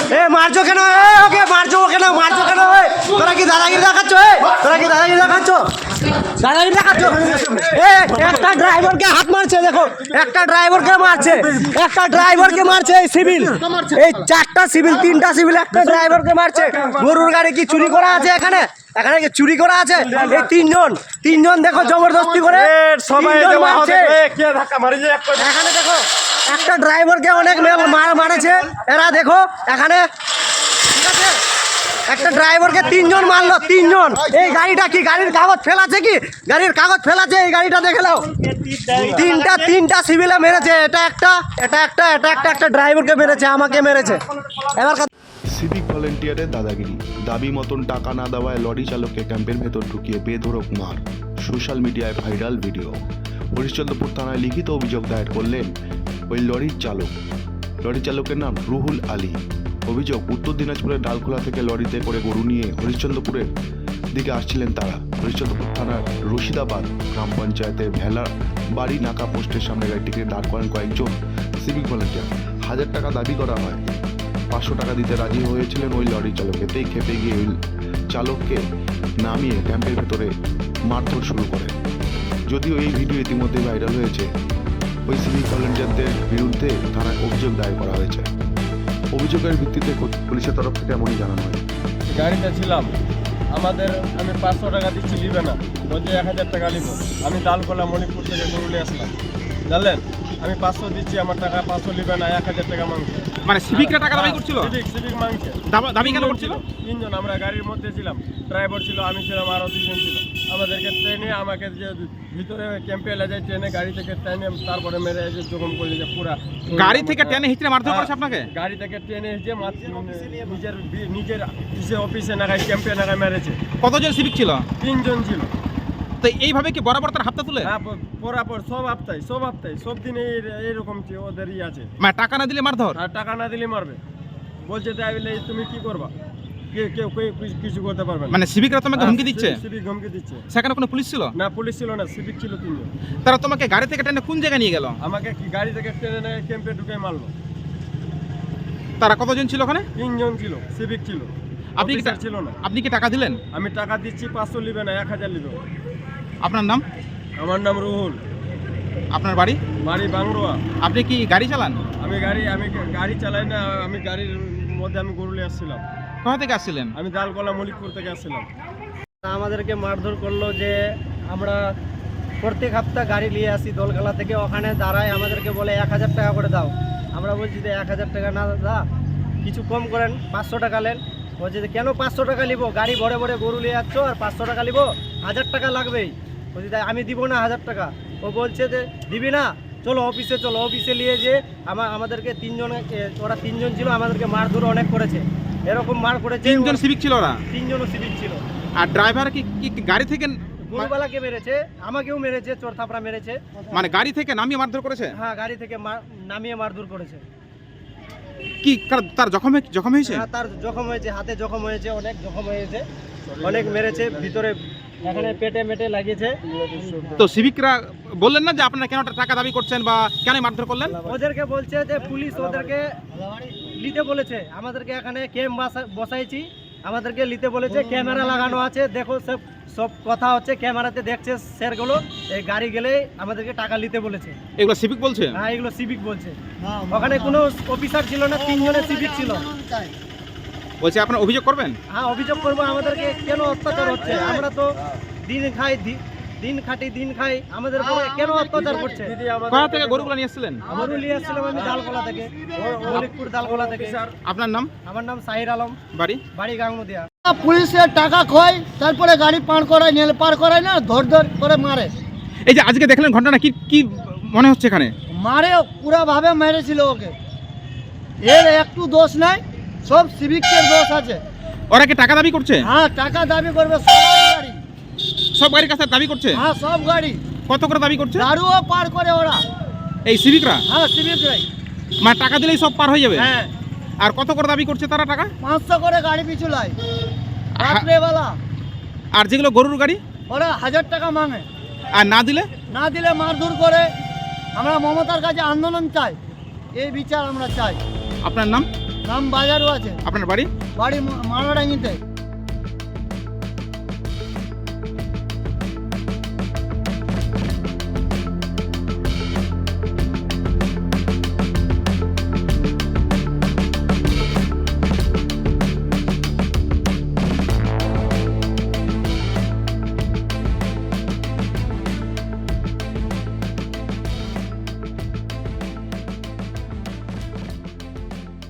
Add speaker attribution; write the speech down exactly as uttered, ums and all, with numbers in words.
Speaker 1: এ মারছো কেন? এ ওকে মারছো কেন? মারছো কেন? তোরা কি দাদাগিরি দেখাচ্ছ? এ তোরা কি দাদাগিরি দেখাচ্ছ? দাদাগিরি দেখাচ্ছ? এ একটা ড্রাইভারকে হাত মারছে, দেখো একটা ড্রাইভারকে মারছে, একটা ড্রাইভারকে মারছে এই সিভিল, এই চারটা সিভিল, তিনটা সিভিল, একটা ড্রাইভারকে মারছে। গরুর গাড়ি কি চুরি করা আছে এখানে? এখানে কি চুরি করা আছে? এই তিনজন তিনজন দেখো জবরদস্তি করে সবাই মারছে। এখানে দেখো একটা ড্রাইভারকে অনেক মার মারেছে এরা, দেখো এখানে ঠিক আছে, একটা ড্রাইভারকে তিনজন মারলো, তিনজন। এই গাড়িটা কি গাড়ির কাগজ ফেলাছে? কি গাড়ির কাগজ ফেলাছে? এই গাড়িটা দেখে নাও, তিনটা তিনটা সিভিলে মেরেছে। এটা একটা, এটা একটা, এটা একটা, একটা ড্রাইভারকে মেরেছে, আমাকে মেরেছে। এবার
Speaker 2: সিভিক ভলেন্টিয়ারের দাদাগিরি, দাবি মতন টাকা না দেওয়ায় লরি চালককে ক্যাম্পের ভেতর ঢুকিয়ে বেধড়ক মার, সোশ্যাল মিডিয়ায় ভাইরাল ভিডিও। হরিশ্চন্দ্রপুর থানায় লিখিত অভিযোগ দায়ের করলেন ওই লরির চালক। লরি চালকের নাম রুহুল আলী। অভিযোগ, উত্তর দিনাজপুরের ডালখোলা থেকে লরিতে করে গরু নিয়ে হরিশ্চন্দ্রপুরের দিকে আসছিলেন তারা। হরিশ্চন্দ্রপুর থানার রশিদাবাদ গ্রাম পঞ্চায়েতের ভেলা বাড়ি নাকা পোস্টের সামনে গাড়িটিকে দাঁড় করেন কয়েকজন সিভিক ভলেন্টিয়ার। হাজার টাকা দাবি করা হয়, পাঁচশো টাকা দিতে রাজি হয়েছিলেন ওই লরি চালক। এতেই খেপে গিয়ে ওই চালককে নামিয়ে ক্যাম্পের ভেতরে মারধর শুরু করেন। যদিও এই ভিডিও ইতিমধ্যে ভাইরাল হয়েছে, ওই সিভিক ভলেন্টিয়ারদের বিরুদ্ধে থানায় অভিযোগ দায়ের করা হয়েছে। অভিযোগের ভিত্তিতে পুলিশের তরফ থেকে এমনই জানানো হয়।
Speaker 3: গাড়িতে ছিলাম, আমাদের আমি পাঁচশো টাকা দিচ্ছি, নিবে না, বলছে এক হাজার টাকা নিব। আমি ডালকোলা মণিপুর থেকে গরুলে আসলাম, জানলেন, আমি পাঁচশো দিচ্ছি, আমার টাকা পাঁচশো নিবে না, এক হাজার টাকা মাংসে।
Speaker 4: মানে সিভিকরা টাকা দাবি করছিল?
Speaker 3: সিভিক সিভিক মাংসে
Speaker 4: দাবি কেন করছিল?
Speaker 3: তিনজন, আমরা গাড়ির মধ্যে ছিলাম, ড্রাইভার ছিল, আমি ছিলাম, আরও দুজন ছিল। আমাদেরকে ট্রেনে, আমাকে যে ভিতরে ক্যাম্পে এলে যায় ট্রেনে, গাড়ি থেকে ট্রেনে তারপরে মেরে এসে জখম করে যে পুরা
Speaker 4: গাড়ি থেকে ট্রেনে হিচড়ে মারধর করেছে আপনাকে?
Speaker 3: গাড়ি থেকে ট্রেনে এসে নিজের নিজের নিজের অফিসে নাগায় ক্যাম্পে নাগায় মেরেছে।
Speaker 4: কতজন সিভিক ছিল?
Speaker 3: তিনজন ছিল।
Speaker 4: তো এইভাবে কি বরাবর তার হাতটা তুলে?
Speaker 3: হ্যাঁ, বরাবর সব হপ্তায় সব হপ্তায় সব দিনে এইরকম ওদেরই আছে।
Speaker 4: মানে টাকা না দিলে মারধর?
Speaker 3: আর টাকা না দিলে মারবে, বলছে তাই বলে তুমি কি করবা, কেউ কেউ কিছু করতে পারবে না।
Speaker 4: মানে সিভিকরা তোমাকে হুমকি দিচ্ছে?
Speaker 3: সিভিক হুমকি দিচ্ছে।
Speaker 4: সেখানে কোনো পুলিশ ছিল
Speaker 3: না? পুলিশ ছিল না, সিভিক ছিল তিনজন।
Speaker 4: তারা তোমাকে গাড়ি থেকে টেনে কোন জায়গায় নিয়ে গেল?
Speaker 3: আমাকে কি গাড়ি থেকে ট্রেনে ক্যাম্পে ঢুকে মারলো।
Speaker 4: তারা কতজন ছিল ওখানে?
Speaker 3: তিনজন ছিল, সিভিক ছিল।
Speaker 4: আপনি কি
Speaker 3: ছিল না?
Speaker 4: আপনি কি টাকা দিলেন?
Speaker 3: আমি টাকা দিচ্ছি, পাঁচশো নিবে না, এক হাজার নিবে।
Speaker 4: আপনার নাম?
Speaker 3: আমার নাম রুহুল।
Speaker 4: আপনার বাড়ি?
Speaker 3: বাড়ি বাংরোয়া।
Speaker 4: আপনি কি গাড়ি চালান?
Speaker 3: আমি গাড়ি আমি গাড়ি চালাই না, আমি গাড়ির মধ্যে আমি গরুলে আসছিলাম।
Speaker 4: কোথা থেকে আসছিলেন?
Speaker 3: আমি ডালকোলা মলিকপুর থেকে আসছিলাম।
Speaker 1: আমাদেরকে মারধর করলো যে আমরা প্রত্যেক সপ্তাহ গাড়ি নিয়ে আসি দোলখালা থেকে, ওখানে দাঁড়ায় আমাদেরকে বলে এক হাজার টাকা করে দাও। আমরা বলছি যে এক হাজার টাকা না দাদা, কিছু কম করেন, পাঁচশো টাকা নেন। বলছে যে কেন পাঁচশো টাকা নিব, গাড়ি ভরে ভরে গরু নিয়ে যাচ্ছ আর পাঁচশো টাকা নিব, হাজার টাকা লাগবেই। বলছি তাই আমি দিব না হাজার টাকা। ও বলছে যে দিবি না, চলো অফিসে চলো। অফিসে নিয়ে যে আমার আমাদেরকে তিনজন, ওরা তিনজন ছিল, আমাদেরকে মারধর অনেক করেছে, এরকম মার করেছে।
Speaker 4: তিনজন সিভিক ছিল ওরা?
Speaker 1: তিনজনও সিভিক ছিল।
Speaker 4: আর ড্রাইভার কি কি গাড়ি থেকে?
Speaker 1: গরুবালাকে মেরেছে, আমাকেও মেরেছে, চোর থাপড়া মেরেছে।
Speaker 4: মানে গাড়ি থেকে নামিয়ে মারধর করেছে?
Speaker 1: হ্যাঁ, গাড়ি থেকে নামিয়ে মারধর করেছে।
Speaker 4: কি তার জখম জখম হয়েছে?
Speaker 1: হ্যাঁ, তার জখম হয়েছে, হাতে জখম হয়েছে, অনেক জখম হয়েছে, অনেক মেরেছে, ভিতরে এখানে পেটে মেটে লাগিয়েছে।
Speaker 4: তো সিভিকরা বললেন না যে আপনারা কেন টাকা দাবি করছেন বা কেন মারধর করলেন?
Speaker 1: ওদেরকে বলছে যে পুলিশ ওদেরকে নিতে বলেছে, আমাদেরকে এখানে ক্যাম্প বসাইছি, আমাদেরকে নিতে বলেছে, ক্যামেরা লাগানো আছে, দেখো সব সব কথা হচ্ছে, ক্যামেরাতে দেখছে স্যারগুলো, এই গাড়ি গেলে আমাদেরকে টাকা নিতে বলেছে।
Speaker 4: এগুলো সিভিক বলছে?
Speaker 1: হ্যাঁ, এগুলো সিভিক বলছে। ওখানে কোনো অফিসার ছিল না, তিনজনের সিভিক ছিল।
Speaker 4: বলছে আপনারা অভিযোগ করবেন?
Speaker 1: হ্যাঁ, অভিযোগ করবো, আমাদেরকে কেন অত্যাচার হচ্ছে, আমরা তো দিন খাই দিন খাটি দিন খাই, আমাদের উপরে কেন অত্যাচার করছে।
Speaker 4: কোথা থেকে গরুগুলো নিয়ে এসেছিলেন?
Speaker 1: গরু নিয়ে এসেছিলাম আমি ডালকোলা থেকে, মলিকপুর ডালকোলা থেকে।
Speaker 4: আপনার নাম?
Speaker 1: আমার নাম সাহির আলম,
Speaker 4: বাড়ি?
Speaker 1: বাড়ি গাঙ্গুদিয়া।
Speaker 5: পুলিশের টাকা খোয়, তারপরে গাড়ি পার করায়, নেল পার করায় না, ধর ধর করে মারে।
Speaker 4: এই যে আজকে দেখলেন ঘটনা, কি কি মনে হচ্ছে এখানে?
Speaker 5: মারে পুরাভাবে মেরেছিল ওকে, এর একটু দোষ নাই, সব সিভিকের দোষ আছে।
Speaker 4: ওরা কি টাকা দাবি করছে?
Speaker 5: হ্যাঁ, টাকা দাবি করবে, সব গাড়ি,
Speaker 4: সব গাড়ির কাছে দাবি করছে?
Speaker 5: হ্যাঁ, সব গাড়ি।
Speaker 4: কত করে দাবি করছে?
Speaker 5: দারুও পার করে ওরা,
Speaker 4: এই সিভিকরা?
Speaker 5: হ্যাঁ, সিভিকরাই।
Speaker 4: মানে টাকা দিলেই সব পার হয়ে যাবে?
Speaker 5: হ্যাঁ।
Speaker 4: আর কত করে দাবি করছে তারা টাকা?
Speaker 5: পাঁচশো করে গাড়ি পিছু লাই রাত্রেবেলা।
Speaker 4: আর যেগুলো গরুর গাড়ি,
Speaker 5: ওরা হাজার টাকা মাঙে,
Speaker 4: আর না দিলে?
Speaker 5: না দিলে মারধর করে। আমরা মমতার কাছে আন্দোলন চাই, এই বিচার আমরা চাই।
Speaker 4: আপনার নাম?
Speaker 5: নাম বাজারও আছে,
Speaker 4: আপনার বাড়ি?
Speaker 5: বাড়ি মারাডাঙ্গিতে।